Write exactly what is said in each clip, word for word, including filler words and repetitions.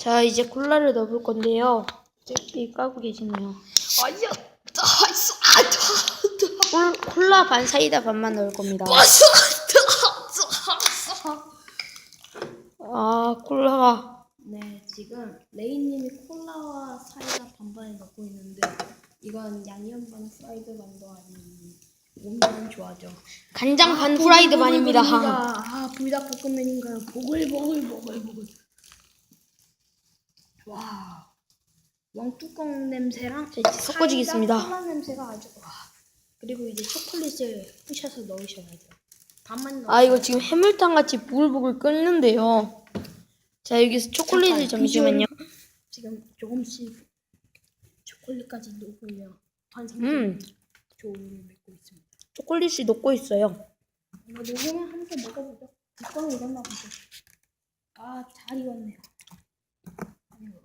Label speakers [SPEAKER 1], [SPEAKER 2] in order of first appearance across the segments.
[SPEAKER 1] 자, 이제 콜라를 넣어볼 건데요. 이 까고 계시네요.
[SPEAKER 2] 아야, 나이스. 아,
[SPEAKER 1] 콜, 콜라 반 사이다 반만 넣을 겁니다.
[SPEAKER 2] 버스.
[SPEAKER 1] 아, 콜라가
[SPEAKER 2] 네, 지금 레이님이 콜라와 사이다 반반을 넣고 있는데 이건 양념 반 프라이드 반도 아닌 몸만 좋아져.
[SPEAKER 1] 간장 반 프라이드 반입니다.
[SPEAKER 2] 아, 불닭볶음면인가요? 보글보글 보글보글. 와, 왕뚜껑 냄새랑
[SPEAKER 1] 자, 이제 섞어주겠습니다.
[SPEAKER 2] 사이다 콜라 냄새가 아주 와. 그리고 이제 초콜릿을 부셔서 넣으셔야 돼요. 반만 넣어.
[SPEAKER 1] 아, 이거 지금 해물탕 같이 부글부글 끓는데요. 자, 여기서 초콜릿을 잠시만요.
[SPEAKER 2] 지금 조금씩 초콜릿까지 녹으며 완성된
[SPEAKER 1] 음,
[SPEAKER 2] 조를 맺고 있습니다.
[SPEAKER 1] 초콜릿이 녹고 있어요.
[SPEAKER 2] 이거 녹으면 함께 먹어보죠. 뚜껑이 익었나 보죠. 아, 잘 익었네요. 아이고.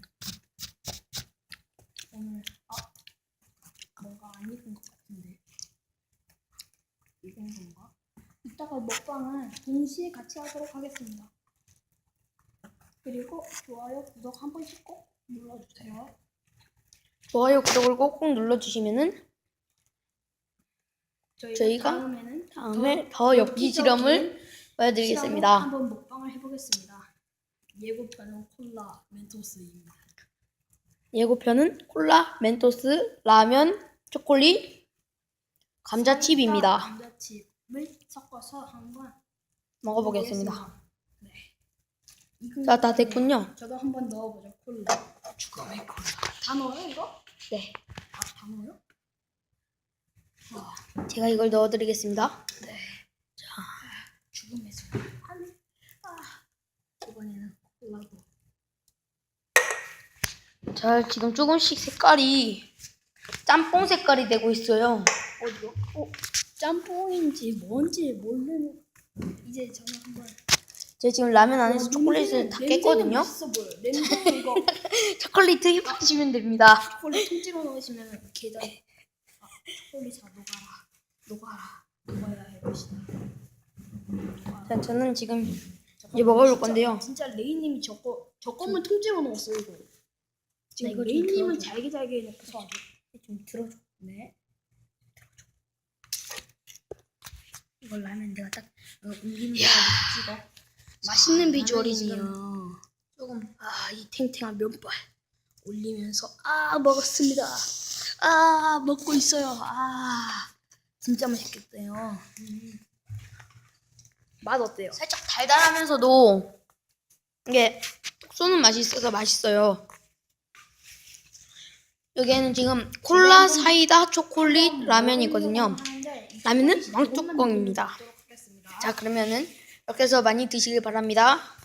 [SPEAKER 2] 오늘 아 뭔가 안 익은 것 같은데 익은 건가? 이따가 먹방을 동시에 같이 하도록 하겠습니다. 그리고 좋아요, 구독 한 번씩 꼭 눌러주세요.
[SPEAKER 1] 좋아요, 구독을 꼭꼭 눌러주시면은
[SPEAKER 2] 저희가,
[SPEAKER 1] 저희가
[SPEAKER 2] 다음에는
[SPEAKER 1] 다음에 더 엽기 실험을 보여드리겠습니다.
[SPEAKER 2] 한번 먹방을 해보겠습니다. 예고편은 콜라 멘토스입니다.
[SPEAKER 1] 예고편은 콜라, 멘토스, 라면, 초콜릿, 감자칩입니다.
[SPEAKER 2] 감자칩을 섞어서 한번
[SPEAKER 1] 먹어보겠습니다.
[SPEAKER 2] 네.
[SPEAKER 1] 자, 다 됐군요.
[SPEAKER 2] 저도 한번 넣어보죠. 콜라. 죽음의 콜라. 다 넣어요 이거?
[SPEAKER 1] 네,
[SPEAKER 2] 아, 다 넣어요? 와,
[SPEAKER 1] 제가 이걸 넣어드리겠습니다.
[SPEAKER 2] 네. 자, 죽음의 순간. 아, 이번에는 콜라고.
[SPEAKER 1] 자, 지금 조금씩 색깔이 짬뽕 색깔이 되고 있어요.
[SPEAKER 2] 어디요? 어, 짬뽕인지 뭔지 모르는. 이제 저는 한번.
[SPEAKER 1] 제가 지금 라면 안에서
[SPEAKER 2] 와,
[SPEAKER 1] 초콜릿을
[SPEAKER 2] 냄새는-
[SPEAKER 1] 다
[SPEAKER 2] 냄새는
[SPEAKER 1] 깼거든요.
[SPEAKER 2] 맛있어 보여. 냄새 이거
[SPEAKER 1] 초콜릿 흡입하시면 됩니다.
[SPEAKER 2] 초콜릿 통째로 넣으시면 계단. 아, 초콜릿 다 녹아라, 녹아라, 녹아야 할 것이다.
[SPEAKER 1] 자, 저는 지금 이제 먹어볼 건데요.
[SPEAKER 2] 진짜 레이님이 저거 저거만 통째로 넣었어요 이거. 지금
[SPEAKER 1] 이거 좀
[SPEAKER 2] 레이님은
[SPEAKER 1] 들어줘.
[SPEAKER 2] 잘게 잘게 넣고서 아주.
[SPEAKER 1] 좀 들어줘.
[SPEAKER 2] 네.
[SPEAKER 1] 이걸 라면 내가 딱
[SPEAKER 2] 어, 옮기는 거 찍어. 맛있는 비주얼이네요.
[SPEAKER 1] 조금
[SPEAKER 2] 아, 이 탱탱한 면발 올리면서 아 먹었습니다. 아 먹고 있어요. 아 진짜 맛있겠대요. 음. 맛 어때요?
[SPEAKER 1] 살짝 달달하면서도 이게 톡 쏘는 맛이 있어서 맛있어요. 여기에는 지금 콜라, 사이다, 초콜릿, 라면이거든요. 라면은 왕뚜껑입니다. 자, 그러면은 이렇게 해서 많이 드시길 바랍니다.